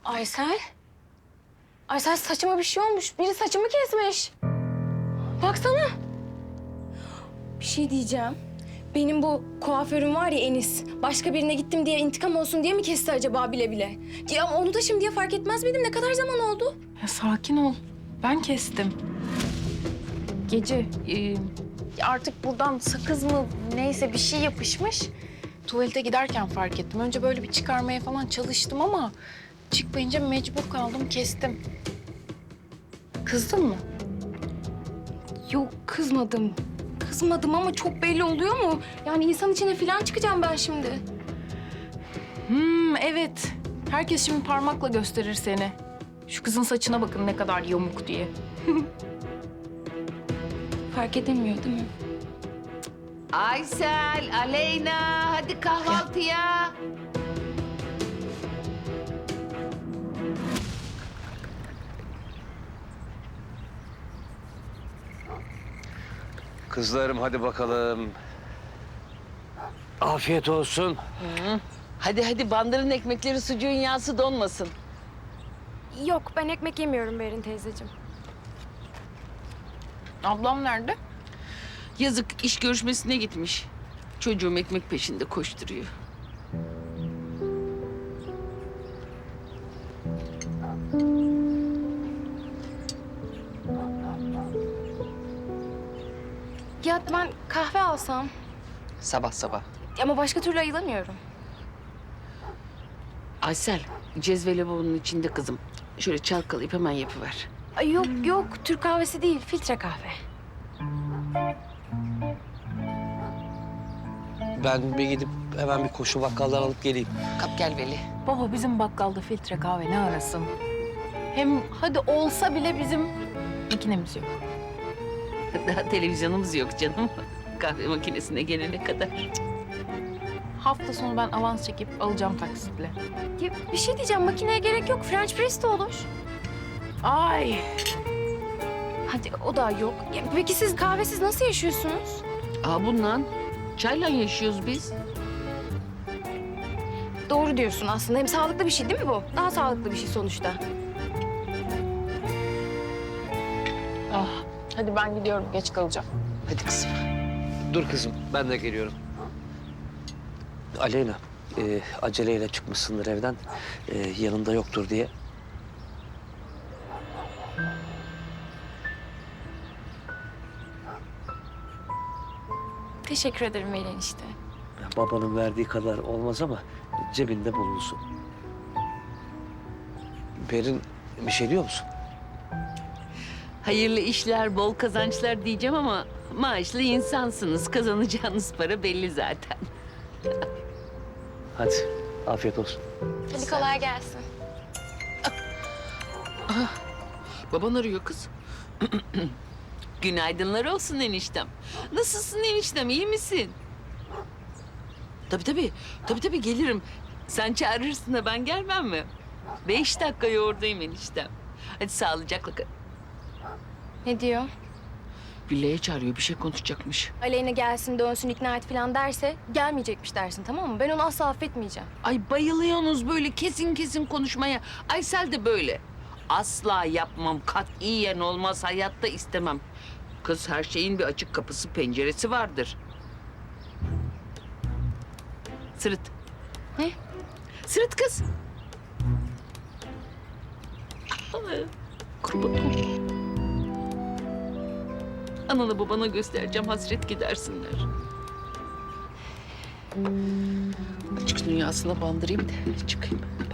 Aysel. Aysel saçıma bir şey olmuş. Biri saçımı kesmiş. Baksana. Bir şey diyeceğim. Benim bu kuaförüm var ya Enis. Başka birine gittim diye intikam olsun diye mi kesti acaba bile bile? Ya onu da şimdiye fark etmez miydim? Ne kadar zaman oldu? Ya sakin ol. Ben kestim. Gece artık buradan sakız mı neyse bir şey yapışmış. Tuvalete giderken fark ettim. Önce böyle bir çıkarmaya falan çalıştım ama çıkmayınca mecbur kaldım, kestim. Kızdın mı? Yok kızmadım. Kızmadım ama çok belli oluyor mu? Yani insan içine falan çıkacağım ben şimdi. Evet. Herkes şimdi parmakla gösterir seni. Şu kızın saçına bakın ne kadar yamuk diye. Fark edemiyor değil mi? Aysel, Aleyna, hadi kahvaltıya. Kızlarım hadi bakalım. Afiyet olsun. Hadi bandırın ekmekleri sucuğun yağsı donmasın. Yok ben ekmek yemiyorum Berin teyzeciğim. Ablam nerede? Yazık iş görüşmesine gitmiş. Çocuğum ekmek peşinde koşturuyor. Ya ben kahve alsam Sabah sabah. ama başka türlü ayılamıyorum. Aysel, cezveli bunun içinde kızım. Şöyle çalkalayıp hemen yapıver. Ay yok yok Türk kahvesi değil filtre kahve. Ben bir gidip hemen bir koşu bakkaldan alıp geleyim. Kap gel Veli. Baba bizim bakkalda filtre kahve ne arasın? Hem hadi olsa bile bizim makinemiz yok. Daha televizyonumuz yok canım. Kahve makinesine gelene kadar. Hafta sonu ben avans çekip alacağım taksitle. Ya bir şey diyeceğim makineye gerek yok French press de olur. Ay. Hadi o da yok. Ya, peki siz kahvesiz nasıl yaşıyorsunuz? Bundan çayla yaşıyoruz biz. Doğru diyorsun aslında. Hem sağlıklı bir şey değil mi bu? Daha sağlıklı bir şey sonuçta. Hadi ben gidiyorum geç kalacağım. Hadi kızım. Dur kızım ben de geliyorum. Aleyna aceleyle çıkmışsındır evden. Yanında yoktur diye. Teşekkür ederim Veli enişte. Babanın verdiği kadar olmaz ama cebinde bulunsun. Berin bir şey diyor musun? Hayırlı işler, bol kazançlar diyeceğim ama maaşlı insansınız. Kazanacağınız para belli zaten. Hadi afiyet olsun. Hadi kolay gelsin. Baban arıyor kız. Günaydınlar olsun eniştem. Nasılsın eniştem, iyi misin? Tabii gelirim. Sen çağırırsın da ben gelmem mi? 5 dakikaya oradayım eniştem. Hadi sağlıcakla kal. Ne diyor? Villaya çağırıyor, bir şey konuşacakmış. Aleyna gelsin dönsün ikna et falan derse gelmeyecekmiş dersin tamam mı? Ben onu asla affetmeyeceğim. Ay bayılıyorsunuz böyle kesin konuşmaya. Aysel de böyle. Asla yapmam, katiyen olmaz, hayatta istemem. Kız her şeyin bir açık kapısı, penceresi vardır. Sırıt. Ne? Sırıt kız. Kurban olayım. Anana babana göstereceğim, hasret gidersinler. Açık dünyasına bandırayım da çıkayım.